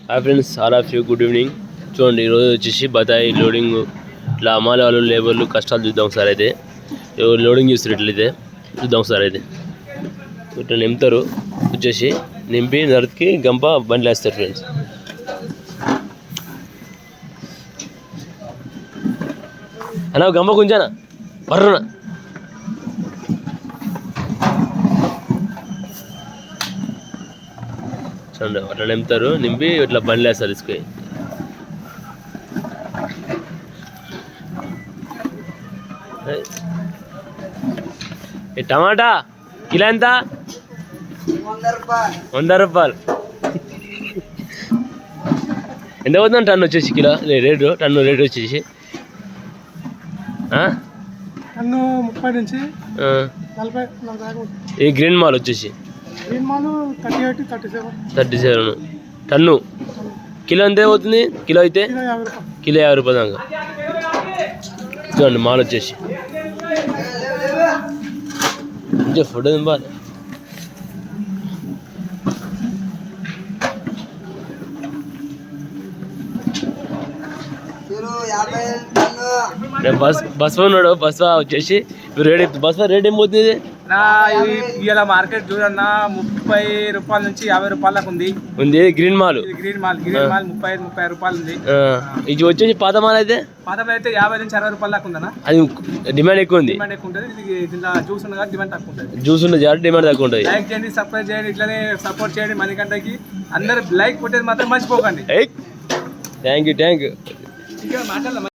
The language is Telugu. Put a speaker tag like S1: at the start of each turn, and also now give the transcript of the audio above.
S1: Hi friends, all of you good evening. చూడండి, ఈరోజు వచ్చేసి బత్తాయి లోడింగ్ ఇట్లా అమ్మాలి వాళ్ళు లేబర్లు కష్టాలు చూద్దాం సార్. అయితే లోడింగ్ చేస్తారు ఇట్లయితే చూద్దాం సార్. అయితే ఇట్లా నింపుతారు, వచ్చేసి నింపి నరికి గంప బండ్లు వేస్తారు ఫ్రెండ్స్. అన్నా గంప కొంచానా బర్రునా చూడండి, అట్లా నింపుతారు, నింపి ఇట్లా బండ్లు వేస్తారు తీసుకొని. టమాటా కిలో ఎంత? 100 రూపాయలు. ఎంత అవుతుందండి టన్ను వచ్చేసి? కిలో రేటు, టన్ను రేటు వచ్చేసి
S2: టన్ను 30 నుంచి 40
S1: ఈ గ్రీన్ మాల్ వచ్చేసి 37 టన్ను. కిలో ఎంత అవుతుంది? కిలో అయితే కిలో 50 రూపాయలు దాకా. చూడండి మాల్ వచ్చేసి ఫోటో దింపాలి. బస్ ఉన్నాడు, బస్ వచ్చేసి రేట్, బస్ రేట్ ఏం పోతుంది?
S2: ఇవాళ మార్కెట్ చూడన్నా 30 రూపాయల నుంచి 50 రూపాయలకు ఉంది.
S1: గ్రీన్ మాల్
S2: 30 రూపాయలు ఉంది.
S1: ఇది వచ్చేసి పాత మాల్ అయితే
S2: 50 నుంచి 60 రూపాయల దాకా ఉందన్న.
S1: అది డిమాండ్ ఎక్కువ ఉంది.
S2: జ్యూస్ ఉన్నది, డిమాండ్ తక్కువ ఉంటుంది.
S1: జ్యూస్ ఉన్నది, డిమాండ్ తక్కువ ఉంటుంది.
S2: లైక్ చేయండి, సబ్స్క్రైబ్ చేయండి, ఇట్లనే సపోర్ట్ చేయండి. మణికంఠకి అందరు లైక్ కొట్టేది మాత్రం మర్చిపోకండి.
S1: Thank you.
S2: ఇంకా మాట్లాడాలి.